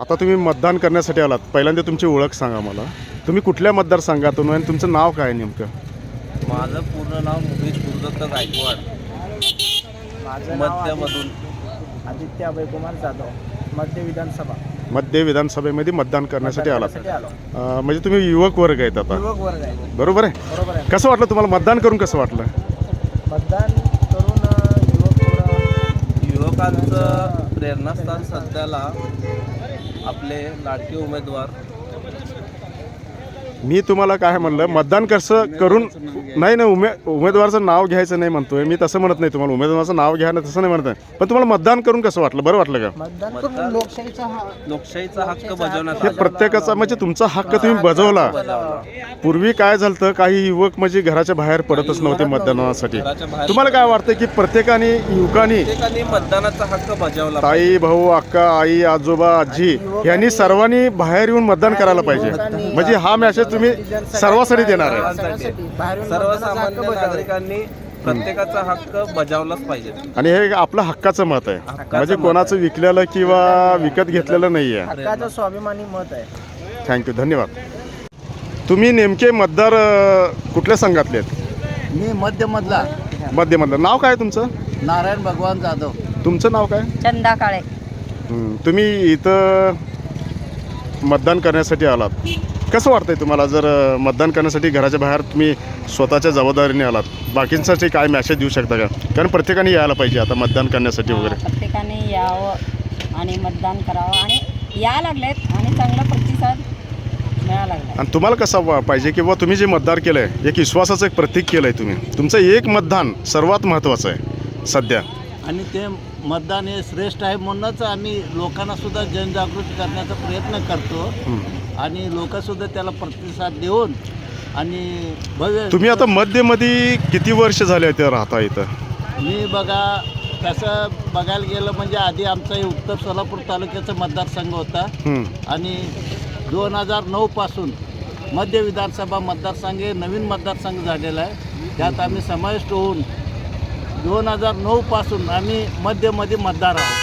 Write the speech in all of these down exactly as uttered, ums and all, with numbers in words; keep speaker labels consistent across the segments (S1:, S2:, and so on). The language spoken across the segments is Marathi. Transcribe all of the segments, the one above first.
S1: आता तुम्ही मतदान करण्यासाठी आलात, पहिल्यांदा तुमची ओळख सांगा मला. तुम्ही कुठल्या मतदारसंघातून आणि तुमचं नाव काय नेमकं?
S2: माझं पूर्ण नाव मुकेश गुरुदत्त गायकवाड,
S3: माझं नाव
S2: मध्यमधून.
S3: आदित्य अभयकुमार जाधव, मध्य विधानसभा.
S1: मध्य विधानसभेमध्ये मतदान करण्यासाठी आलात.
S3: करण्यासाठी आलो.
S1: अं, म्हणजे तुम्ही युवक वर्ग आहेत आता,
S3: युवक वर्ग आहे.
S1: बरोबर आहे?
S3: बरोबर आहे.
S1: कसं वाटलं तुम्हाला मतदान करून? कसं वाटलं
S3: मतदान करून अ, युवक थोडं
S2: युवकांचं प्रेरणास्थान सध्याला आपले लाडके उमेदवार.
S1: मी तुम्हाला काय म्हणलं, मतदान कसं करून नाही ना, उमे उमेदवाराचं नाव घ्यायचं नाही म्हणतोय मी, तसं म्हणत नाही तुम्हाला. उमेदवाराचं नाव घ्या ना, तसं नाही म्हणत आहे. पण तुम्हाला मतदान करून कसं वाटलं? बरं वाटलं का?
S3: मतदान करून लोकशाहीचा हा
S2: लोकशाहीचा हक्क बजावण्यात
S1: हे
S2: आला.
S1: प्रत्येकाचा म्हणजे तुमचा हक्क तुम्ही बजावला. पूर्वी काय झालं, काही युवक म्हणजे घराच्या बाहेर पडतच नव्हते मतदानासाठी.
S2: घराच्या बाहेर
S1: तुम्हाला काय वाटतं की प्रत्येकाने युवकांनी,
S2: प्रत्येकाने मतदानाचा हक्क बजावला.
S1: ताई, भाऊ, अक्का, आई, आजोबा, आजी यांनी सर्वांनी बाहेर येऊन मतदान करायला पाहिजे. म्हणजे हा मेसेज तुम्ही सर्वांसाठी देणार आहे.
S3: सर्वांसाठी बाहेरून
S2: सर्वसामान्य
S3: मतदानाचा हक्क
S2: नागरिकांनी प्रत्येकाचा हक्क बजावलाच पाहिजे.
S1: आणि हे आपलं हक्काचं मत आहे, म्हणजे कोणाचं विकलेलं किंवा विकत घेतलेलं नाही आहे.
S3: हक्काचं स्वाभिमानी मत आहे.
S1: थँक्यू, धन्यवाद. तुम्ही नेमके मतदार अ, कुठल्या संघातले आहेत?
S4: मी मध्यमधला
S1: मध्यमधलं. नाव काय तुमचं?
S4: नारायण भगवान जाधव.
S1: तुमचं नाव काय?
S5: चंदा काळे.
S1: हं, तुम्ही इथं मतदान करण्यासाठी आलात. कसं वाटतंय तुम्हाला? जर अ, मतदान करण्यासाठी घराच्या बाहेर तुम्ही स्वतःच्या जबाबदारीने आलात, बाकींसाठी काय मॅसेज देऊ शकता का? कारण प्रत्येकाने यायला पाहिजे आता मतदान करण्यासाठी वगैरे.
S5: प्रत्येकाने यावं आणि मतदान करावं, आणि या लागलेत आणि चांगला प्रतिसाद मिळाला लागला.
S1: आणि तुम्हाला कसं वा- पाहिजे किंवा तुम्ही जे मतदार केलं आहे, एक विश्वासाचं एक प्रतीक केलं आहे तुम्ही. तुमचं एक मतदान सर्वात महत्त्वाचं आहे सध्या.
S4: आणि ते मतदान हे श्रेष्ठ आहे, म्हणूनच आम्ही लोकांना सुद्धा जनजागृती करण्याचा प्रयत्न करतो.
S1: हं.
S4: आणि लोकसुद्धा त्याला प्रतिसाद देऊन आणि भव्य.
S1: तुम्ही आता मध्यमध्ये किती वर्ष झाले ते राहता इथं?
S4: मी बघा कसं बघायला गेलं म्हणजे आधी आमचा हे उत्तर सोलापूर तालुक्याचा मतदारसंघ होता.
S1: हं.
S4: आणि दोन हजार नऊपासून मध्य विधानसभा मतदारसंघ हे नवीन मतदारसंघ झालेला आहे. त्यात आम्ही समाविष्ट होऊन दोन हजार नऊपासून आम्ही मध्यमध्ये मतदार आहोत.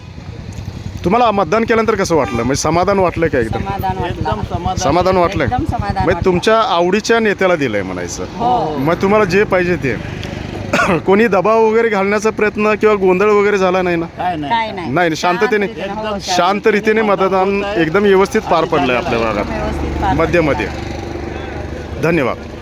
S1: तुम्हाला मतदान केल्यानंतर कसं वाटलं? म्हणजे समाधान वाटलं का? एकदम
S5: समाधान
S4: एकदम
S5: वाटलं.
S4: समाधान.
S1: समाधान वाटलं.
S5: एकदम समाधान
S1: म्हणजे
S5: वाटलं.
S1: तुमच्या आवडीच्या नेत्याला दिलंय म्हणायचं.
S5: हो.
S1: मग तुम्हाला जे पाहिजे ते कोणी दबाव वगैरे घालण्याचा प्रयत्न किंवा गोंधळ वगैरे झाला नाही ना?
S4: काय
S5: काय
S4: नाही.
S5: नाही.
S1: नाही, शांततेने
S5: हो,
S1: शांत रीतीने मतदान एकदम व्यवस्थित पार पडलंय आपल्या भागात
S5: व्यवस्थित पार
S1: मध्यमध्ये. धन्यवाद.